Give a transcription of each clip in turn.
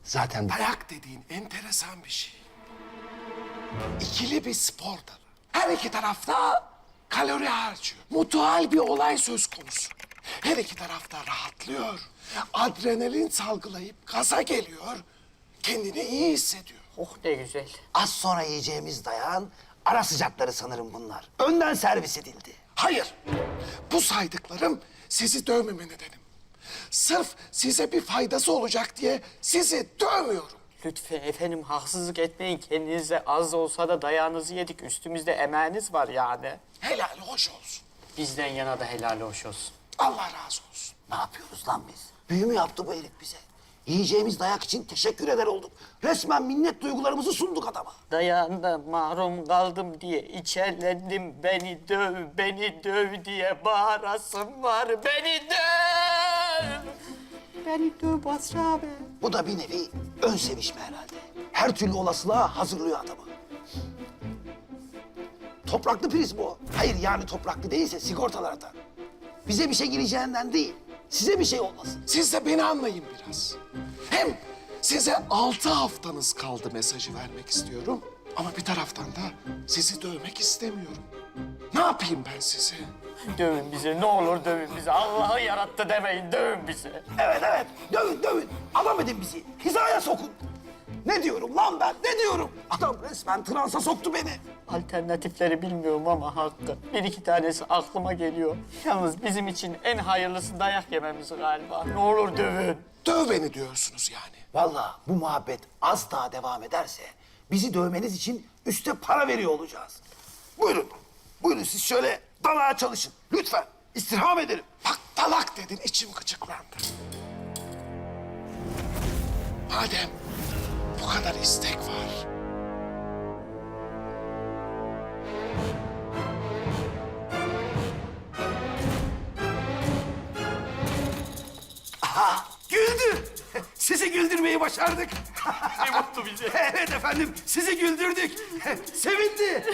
Zaten Dayak dediğin enteresan bir şey. İkili bir spor dalı. Her iki tarafta kalori harcıyor. Mutual bir olay söz konusu. Her iki tarafta rahatlıyor. Adrenalin salgılayıp gaza geliyor. Kendini iyi hissediyor. Oh ne güzel. az sonra yiyeceğimiz dayağın ara sıcakları sanırım bunlar. Önden servis edildi. Hayır. Bu saydıklarım sizi dövmeme nedenim. Sırf size bir faydası olacak diye sizi dövmüyorum. Lütfen efendim haksızlık etmeyin. Kendinize az olsa da dayağınızı yedik. Üstümüzde emeğiniz var yani. Helal hoş olsun. Bizden yana da helal hoş olsun. Allah razı olsun. Ne yapıyoruz lan biz? Büyü mü yaptı bu herif bize? Yiyeceğimiz dayak için teşekkür eder olduk. Resmen minnet duygularımızı sunduk adama. Dayağında mahrum kaldım diye içerlendim. Beni döv diye bağırasım var. Beni döv! Beni döv Basri abi. Bu da bir nevi ön sevişme herhalde. Her türlü olasılığa hazırlıyor adamı. Topraklı priz bu. Hayır yani topraklı değilse sigortalardan. Bize bir şey gireceğinden değil, size bir şey olmasın. Siz de beni anlayın biraz. Hem size 6 haftanız kaldı mesajı vermek istiyorum. Ama bir taraftan da sizi dövmek istemiyorum. Ne yapayım ben sizi? Dövün bizi ne olur dövün bizi. Allah'ı yarattı demeyin dövün bizi. Evet evet, dövün dövün. Adam edin bizi, hizaya sokun. Ne diyorum lan ben, ne diyorum? Adam resmen transa soktu beni. Alternatifleri bilmiyorum ama Hakkı. Bir iki tanesi aklıma geliyor. Yalnız bizim için en hayırlısı dayak yememiz galiba. Ne olur dövün. Döv beni diyorsunuz yani. Vallahi bu muhabbet az daha devam ederse bizi dövmeniz için üste para veriyor olacağız. Buyurun, buyurun siz şöyle dalağa çalışın. Lütfen, istirham ederim. Bak dalak dedin içim gıcıklandı. Madem bu kadar istek var. Güldü. Sizi güldürmeyi başardık. Ne mutlu bize. Evet efendim, sizi güldürdük. Sevindi.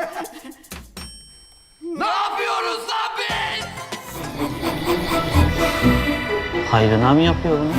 Ne yapıyoruz lan biz? Hayrına mı yapıyor bunu?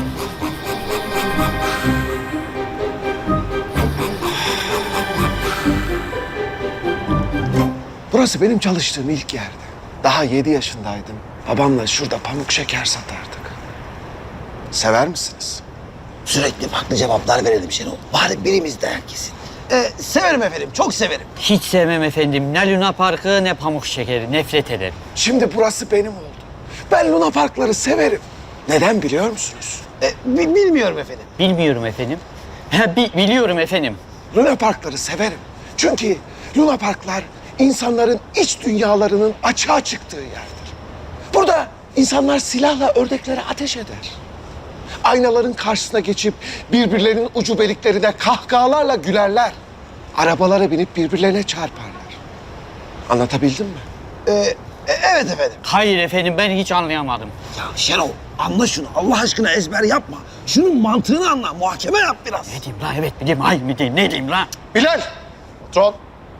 Burası benim çalıştığım ilk yerdi. Daha 7 yaşındaydım. Babamla şurada pamuk şeker satardık. Sever misiniz? Sürekli farklı cevaplar verelim Şenol. Bari birimiz de herkesin. Severim efendim, çok severim. Hiç sevmem efendim. Ne Luna Parkı ne pamuk şekeri. Nefret ederim. Şimdi burası benim oldu. Ben Luna Parkları severim. Neden biliyor musunuz? Bilmiyorum efendim. Bilmiyorum efendim. Biliyorum efendim. Luna Parkları severim. Çünkü Luna Parklar insanların iç dünyalarının açığa çıktığı yerdir. Burada insanlar silahla ördeklere ateş eder. Aynaların karşısına geçip birbirlerinin ucubeliklerine kahkahalarla gülerler. Arabalara binip birbirlerine çarparlar. Anlatabildim mi? Evet efendim. Hayır efendim ben hiç anlayamadım. Ya Şenol, anla şunu. Allah aşkına ezber yapma. Şunun mantığını anla, muhakeme yap biraz. Ne diyeyim lan evet mi diyeyim hayır mı diyeyim ne diyeyim lan? Bilal! Patron!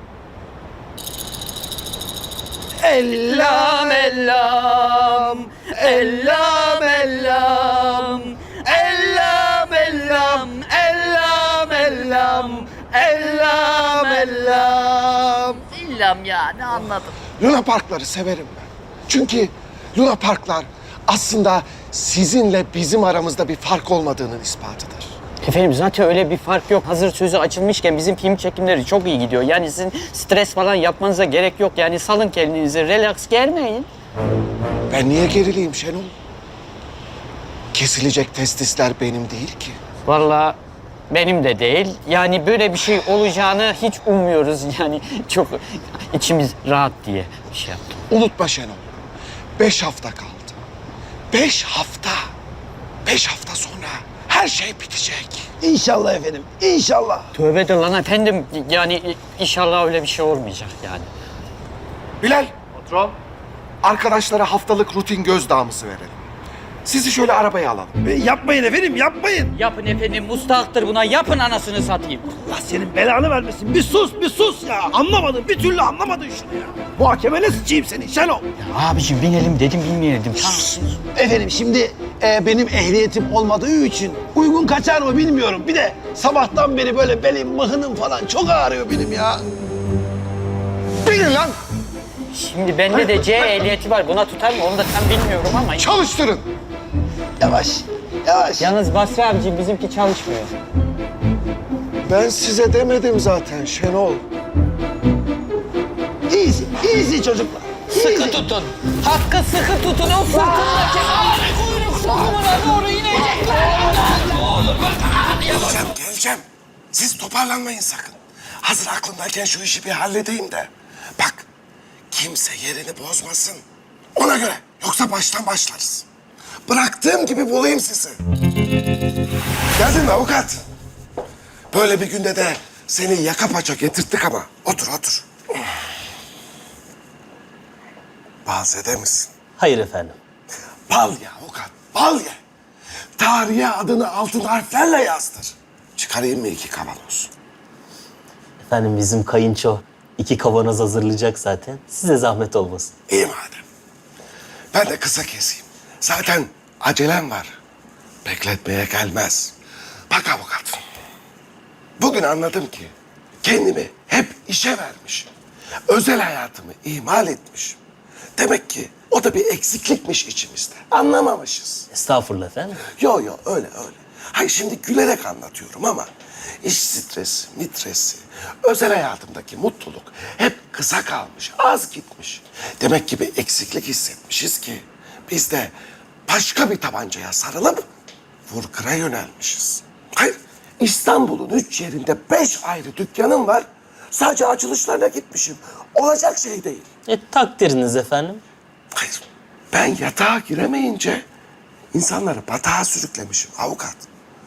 Ellam ellam, ellam ellam, ellam ellam, ellam ellam, ellam ellam. İllam ya ne anladım? Luna Parkları severim ben. Çünkü Luna Parklar aslında sizinle bizim aramızda bir fark olmadığının ispatıdır. Efendim zaten öyle bir fark yok. Hazır sözü açılmışken bizim film çekimleri çok iyi gidiyor. Yani sizin stres falan yapmanıza gerek yok. Yani salın kendinizi, relax germeyin. Ben niye gerileyim Şenol? Kesilecek testisler benim değil ki. Vallahi benim de değil. Yani böyle bir şey olacağını hiç ummuyoruz. Yani çok içimiz rahat diye bir şey yaptım. Unutma Şenol. 5 hafta kaldı. 5 hafta. 5 hafta sonra her şey bitecek. İnşallah efendim, inşallah. Tövbe de lan efendim. Yani inşallah öyle bir şey olmayacak yani. Bilal. Patron. Arkadaşlara haftalık rutin göz damısı verelim. sizi şöyle arabaya alalım. Yapmayın efendim, yapmayın. Yapın efendim, mustahaktır buna. Yapın anasını satayım. Allah senin belanı vermesin. Bir sus ya. Anlamadın, bir türlü anlamadın şunu ya. Bu hakemene sıçayım seni Şenol. Abiciğim binelim dedim, binmeyelim. Tamam. Efendim şimdi benim ehliyetim olmadığı için uygun kaçar mı bilmiyorum. Bir de sabahtan beri böyle belim, mıhınım falan çok ağrıyor benim ya. Binin lan, Şimdi bende de C ehliyeti var. Buna tutar mı? Onu da tam bilmiyorum ama. çalıştırın. Yavaş, yavaş. Yalnız Basri abiciğim bizimki çalışmıyor. Ben size demedim zaten Şenol. Easy çocuklar. Sıkı tutun. Hakkı sıkı tutun. O fırtındaki ağrı kuyruk sokumuna doğru inecekler. Geleceğim. Siz toparlanmayın sakın. Hazır aklımdayken şu işi bir halledeyim de. Bak, kimse yerini bozmasın. Ona göre. Yoksa baştan başlarız. Bıraktığım gibi bulayım sizi. Geldin mi avukat? Böyle bir günde de seni yaka paça getirttik ama. Otur, otur. Balzede misin? Hayır efendim. Bal ye avukat, bal ye. Tarihe adını altın harflerle yazdır. Çıkarayım mı 2 kavanoz? Efendim bizim kayınço 2 kavanoz hazırlayacak zaten. Size zahmet olmasın. İyi madem. Ben de kısa keseyim. Zaten acelem var. Bekletmeye gelmez. Bak avukat. Bugün anladım ki kendimi hep işe vermiş. Özel hayatımı ihmal etmiş. Demek ki o da bir eksiklikmiş içimizde. Anlamamışız. Estağfurullah efendim. Yo öyle. Hayır şimdi gülerek anlatıyorum ama iş stresi, mitresi, özel hayatımdaki mutluluk hep kısa kalmış, az gitmiş. Demek ki bir eksiklik hissetmişiz ki biz de başka bir tabancaya sarılıp vurkıra yönelmişiz. Hayır, İstanbul'un 3 yerinde 5 ayrı dükkanım var. Sadece açılışlarına gitmişim. Olacak şey değil. Takdiriniz efendim. Hayır, ben yatağa giremeyince insanları batağa sürüklemişim avukat.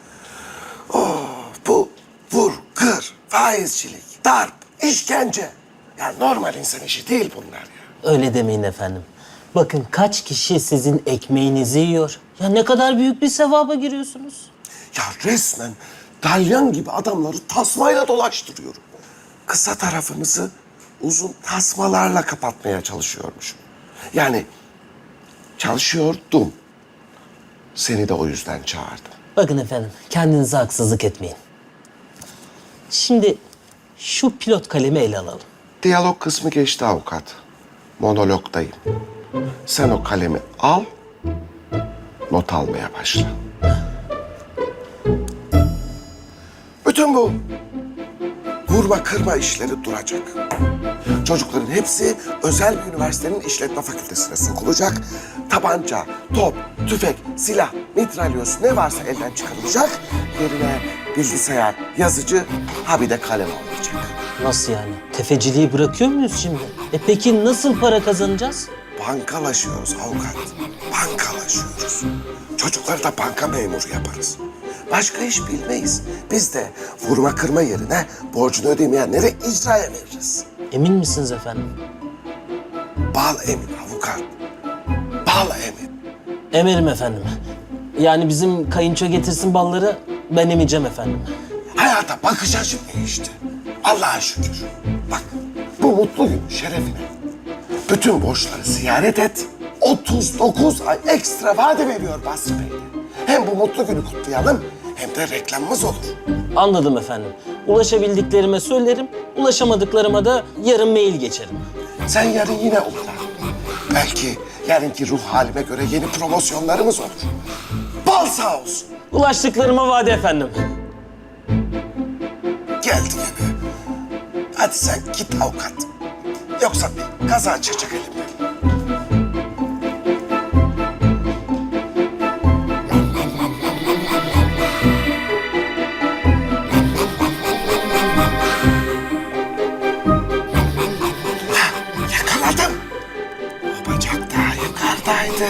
Bu vur, kır, faizcilik, darp, işkence. Ya normal insan işi değil bunlar ya. Öyle demeyin efendim. Bakın kaç kişi sizin ekmeğinizi yiyor. Ya ne kadar büyük bir sevaba giriyorsunuz. Ya resmen dalyan gibi adamları tasmayla dolaştırıyorum. Kısa tarafınızı uzun tasmalarla kapatmaya çalışıyormuşum. Yani çalışıyordum. Seni de o yüzden çağırdım. Bakın efendim kendinize haksızlık etmeyin. Şimdi şu pilot kalemi ele alalım. Diyalog kısmı geçti avukat. Monologdayım. Sen o kalemi al, not almaya başla. Bütün bu vurma kırma işleri duracak. Çocukların hepsi özel bir üniversitenin işletme fakültesine sokulacak. Tabanca, top, tüfek, silah, mitralyöz ne varsa elden çıkarılacak. Yerine bilgisayar, yazıcı, ha bir de kalem alınacak. Nasıl yani? Tefeciliği bırakıyor muyuz şimdi? Peki nasıl para kazanacağız? Bankalaşıyoruz avukat. Bankalaşıyoruz. Çocukları da banka memuru yaparız. Başka iş bilmeyiz. Biz de vurma kırma yerine borcunu ödemeyenleri icraya veririz. Emin misiniz efendim? Bal emin avukat. Bal emin. Emirim efendim. Yani bizim kayınço getirsin balları, ben emeceğim efendim. Hayata bakış açım değişti. Allah'a şükür. Bak bu mutlu gün şerefine bütün borçları ziyaret et. 39 ay ekstra vade veriyor Basri Bey. Hem bu mutlu günü kutlayalım hem de reklamımız olur. Anladım efendim. Ulaşabildiklerime söylerim, ulaşamadıklarıma da yarın mail geçerim. Sen yarın yine uğra. Belki yarınki ruh halime göre yeni promosyonlarımız olur. Bal sağ olsun. Ulaştıklarıma vade efendim. Geldi gene. Hadi sen git avukat. Yoksa bir kaza çıkacak elimden. Yakaladım. O bacak daha yukarıdaydı.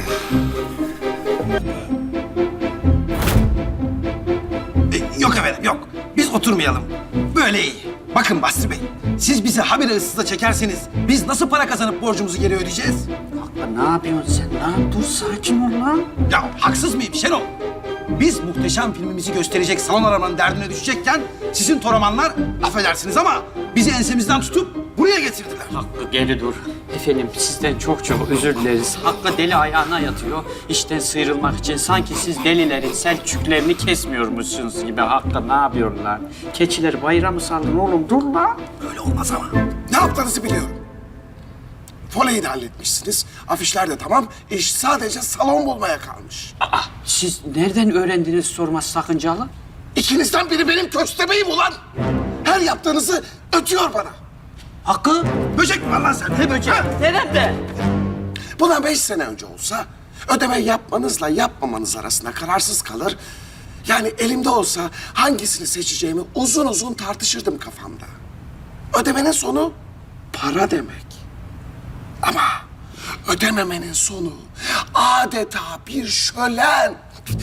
Yok efendim yok. Biz oturmayalım. Böyle iyi. Bakın Basri Bey, siz bizi habire ıssıza çekerseniz biz nasıl para kazanıp borcumuzu geri ödeyeceğiz? Ne yapıyorsun sen? Dur sakin ol lan. Ya haksız mıyım Şenol? Biz muhteşem filmimizi gösterecek salon aramanın derdine düşecekken sizin toramanlar, affedersiniz ama bizi ensemizden tutup buraya getirdiler. Hakkı geri dur. Efendim sizden çok çok özür dileriz. Hakkı deli ayağına yatıyor. İşten sıyrılmak için sanki siz delilerin selçüklerini kesmiyormuşsunuz gibi. Hakkı ne yapıyorlar? Keçiler bayramı sandın oğlum dur lan. Öyle olmaz ama. Ne yaptığınızı biliyorum. Voleyi de halletmişsiniz. Afişler de tamam. İş sadece salon bulmaya kalmış. Siz nereden öğrendiniz sorması sakıncalı? İkinizden biri benim köstebeğim ulan. Her yaptığınızı ötüyor bana. Hakkı? Böcek mi var lan sen? Ne böcek? Nerede? Buna 5 sene önce olsa ödeme yapmanızla yapmamanız arasında kararsız kalır. Yani elimde olsa hangisini seçeceğimi uzun uzun tartışırdım kafamda. Ödemenin sonu para demek. Ama ödememenin sonu adeta bir şölen.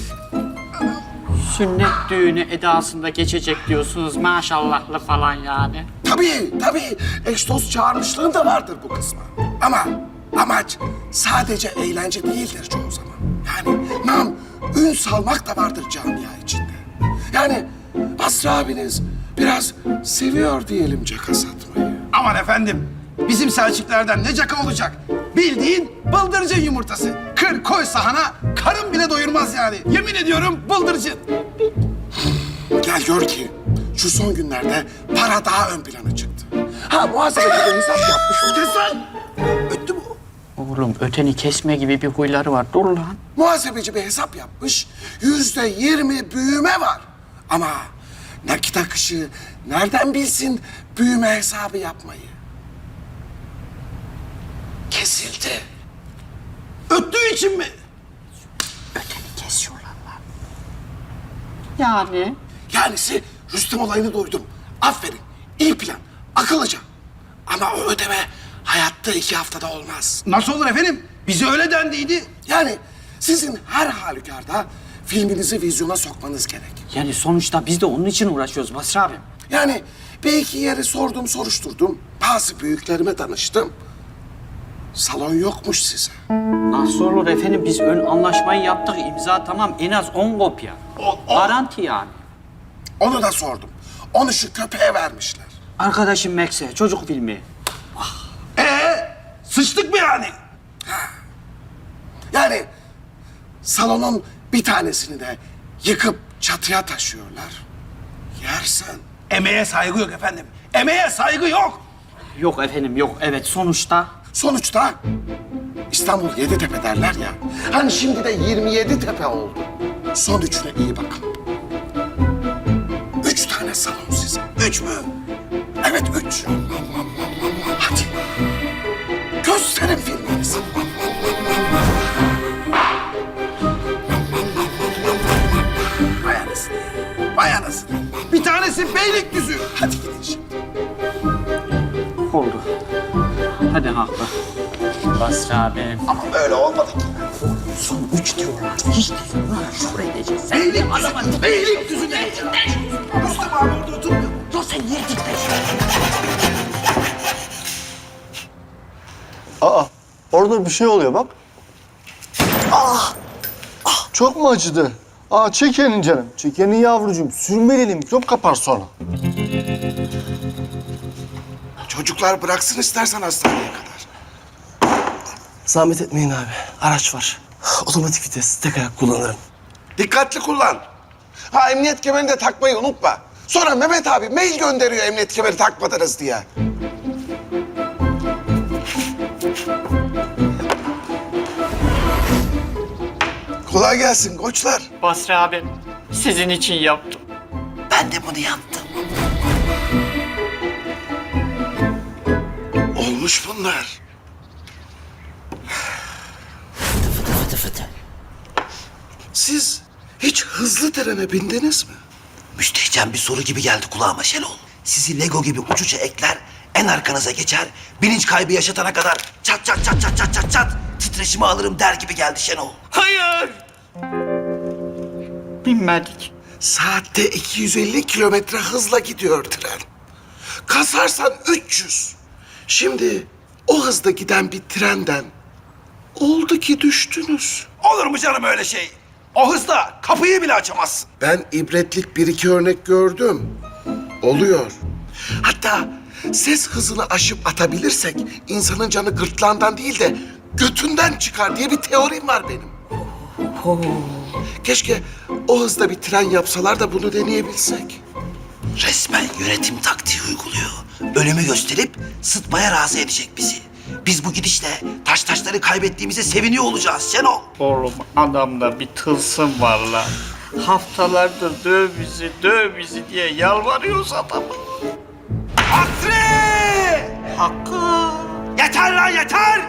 Sünnet düğünü edasında geçecek diyorsunuz maşallahlı falan yani. Tabii. Eş dost çağırmışlığım da vardır bu kısma. Ama amaç sadece eğlence değildir çoğu zaman. Yani nam, ün salmak da vardır camia içinde. Yani Basri abiniz biraz seviyor diyelim caka satmayı. Aman efendim, bizim Selçuklerden ne caka olacak? Bildiğin bıldırcın yumurtası. Kır koy sahana, karın bile doyurmaz yani. Yemin ediyorum bıldırcın. Gel gör ki şu son günlerde para daha ön plana çıktı. Ha muhasebeci de hesap yapmış. Kes lan! Öttü bu. Oğlum öteni kesme gibi bir huyları var. Dur lan. Muhasebeci bir hesap yapmış. %20 büyüme var. Ama nakit akışı nereden bilsin büyüme hesabı yapmayı? Kesildi. Öttüğü için mi? Kesiyorlar lan. Yani? Yanisi Rüstem olayını duydum. Aferin. İyi plan. Akıllıca. Ama o ödeme hayatta 2 haftada olmaz. Nasıl olur efendim? Bize öyle dendiydi. Yani sizin her halükarda filminizi vizyona sokmanız gerek. Yani sonuçta biz de onun için uğraşıyoruz Basri abi. Yani bir iki yere sordum, soruşturdum. Bazı büyüklerime danıştım. Salon yokmuş size. Nasıl olur efendim? Biz ön anlaşmayı yaptık. İmza tamam. En az 10 kopya. Garanti yani. Onu da sordum. Onu şu köpeğe vermişler. Arkadaşım Max'e çocuk filmi. Sıçtık mı yani? Yani salonun bir tanesini de yıkıp çatıya taşıyorlar. Yersen. Emeğe saygı yok efendim. Emeğe saygı yok. Yok efendim yok. Evet sonuçta. Sonuçta İstanbul 7 tepe derler ya. Hani şimdi de 27 tepe oldu. Son üçüne iyi bakın. 3 tane salon size. 3 mü? Evet 3. Hadi. Gösterin filminizi. Vay anasını. Vay anasını. Bir tanesi Beylikdüzü. Hadi gidin şimdi. Oldu. Hadi haklı. Basri abi. Ama böyle olmadı ki. Son 3 diyorlar. Hiç diyorlar. Şuraya edeceğiz. Beylikdüzü. Beylikdüzü ne? Rüstem abi orada oturmuyor. Dur sen niye titriyorsun? Aa, orada bir şey oluyor bak. Çok mu acıdı? Aa, çekenin canım. Çekenin yavrucuğum. Sürmeleli mikrop kapar sonra. Çocuklar bıraksın istersen hastaneye kadar. Zahmet etmeyin abi. Araç var. Otomatik vites. Tek ayak kullanırım. Dikkatli kullan. Ha emniyet kemerini de takmayı unutma. Sonra Mehmet abi mail gönderiyor emniyet kemeri takmadınız diye. Kolay gelsin koçlar. Basri abi. Sizin için yaptım. Ben de bunu yaptım. Olmuş bunlar. Fıtı fıtı fıtı. Siz hiç hızlı trene bindiniz mi? Müstehcen bir soru gibi geldi kulağıma Şenol. Sizi Lego gibi uç uça ekler, en arkanıza geçer, bilinç kaybı yaşatana kadar çat çat çat çat çat çat çat titreşimi alırım der gibi geldi Şenol. Hayır. Binmedik. Saatte 250 kilometre hızla gidiyor tren. Kasarsan 300. Şimdi o hızda giden bir trenden Oldu ki düştünüz. Olur mu canım öyle şey? O hızla kapıyı bile açamazsın. Ben ibretlik bir iki örnek gördüm. Oluyor. Hatta ses hızını aşıp atabilirsek insanın canı gırtlağından değil de götünden çıkar diye bir teorim var benim. Keşke o hızda bir tren yapsalar da bunu deneyebilsek. Resmen yönetim taktiği uyguluyor. Ölümü gösterip sıtmaya razı edecek bizi. Biz bu gidişle taşları kaybettiğimize seviniyor olacağız Şenol. Oğlum adamda bir tılsım var lan. Haftalardır döv bizi diye yalvarıyoruz adamı. Hasri! Hakkı. Yeter lan yeter!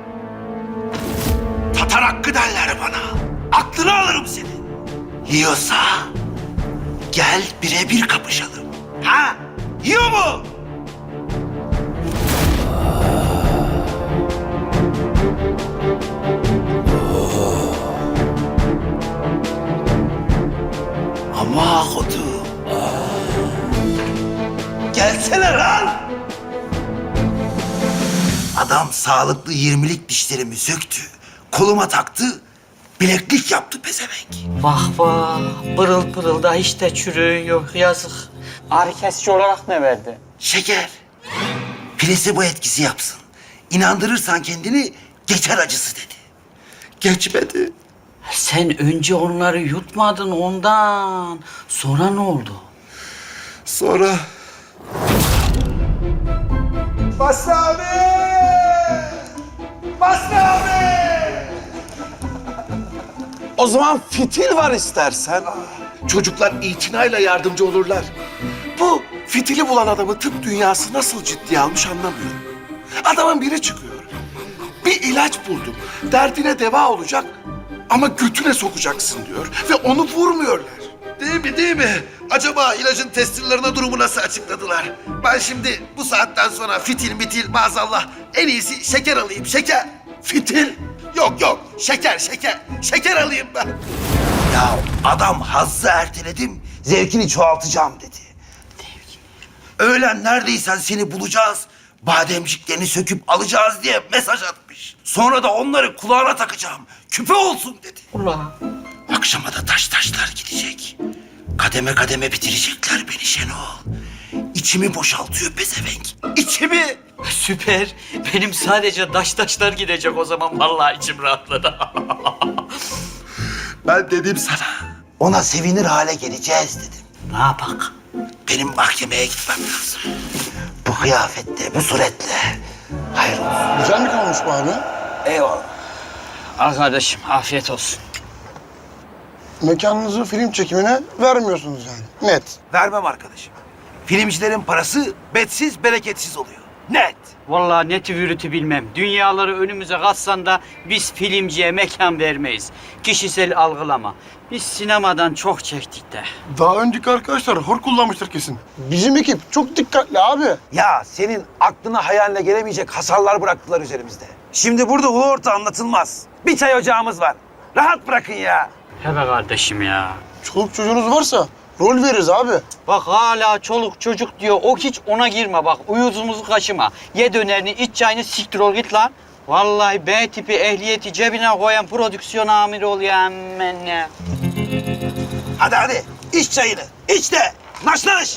Tatar hakkı derler bana. Aklını alırım senin. Yiyorsa gel birebir kapışalım. Ha? Yiyor mu? Ama kutu. Gelsene lan! Adam sağlıklı 20'lik dişlerimi söktü. Koluma taktı. Bileklik yaptı pezevenk. Vah vah. Pırıl pırıl da hiç de çürüğün yok yazık. Ağrı kesici olarak ne verdi? Şeker. Plasebo etkisi yapsın. İnandırırsan kendini geçer acısı dedi. Geçmedi. Sen önce onları yutmadın ondan. Sonra ne oldu? Sonra... Basri abi! Basri abi! O zaman fitil var istersen. Çocuklar itinayla yardımcı olurlar. Bu fitili bulan adamı tıp dünyası nasıl ciddiye almış anlamıyorum. Adamın biri çıkıyor. Bir ilaç buldum. Derdine deva olacak ama götüne sokacaksın diyor. Ve onu vurmuyorlar. Değil mi? Acaba ilacın testirlerine durumu nasıl açıkladılar? Ben şimdi bu saatten sonra fitil maazallah en iyisi şeker alayım şeker. Fitil. Yok şeker. Şeker alayım ben. Ya adam hazzı erteledim, zevkini çoğaltacağım dedi. Öğlen neredeysen seni bulacağız. Bademciklerini söküp alacağız diye mesaj atmış. Sonra da onları kulağına takacağım. Küpe olsun dedi. Ulan. Akşama da taşlar gidecek. Kademe kademe bitirecekler beni Şenol. İçimi boşaltıyor pezevenk. İçimi. Süper. Benim sadece taşlar gidecek o zaman. Vallahi içim rahatladı. Ben dedim sana. Ona sevinir hale geleceğiz dedim. Ne yapak? Benim mahkemeye gitmem lazım. Bu kıyafetle, bu suretle. Hayır olsun. Güzel mi kalmış bu abi? Eyvallah. Al kardeşim afiyet olsun. Mekanınızı film çekimine vermiyorsunuz yani. Net. Vermem arkadaşım. Filmcilerin parası betsiz, bereketsiz oluyor. Net. Vallahi neti vürütü bilmem. Dünyaları önümüze katsan da biz filmciye mekan vermeyiz. Kişisel algılama. Biz sinemadan çok çektik de. Daha önceki arkadaşlar hor kullanmıştır kesin. Bizim ekip çok dikkatli abi. Ya senin aklına hayaline gelemeyecek hasarlar bıraktılar üzerimizde. Şimdi burada ulu orta anlatılmaz. Bir çay ocağımız var. Rahat bırakın ya. He be kardeşim ya. Çoluk çocuğunuz varsa rol veririz abi. Bak hala çoluk çocuk diyor. O hiç ona girme bak. Uyuzumuzu kaşıma. Ye dönerini, iç çayını, siktir ol git lan. Vallahi B tipi ehliyeti cebine koyan prodüksiyon amiri ol ya aman ya. Hadi iç çayını. İç de. Naş naş.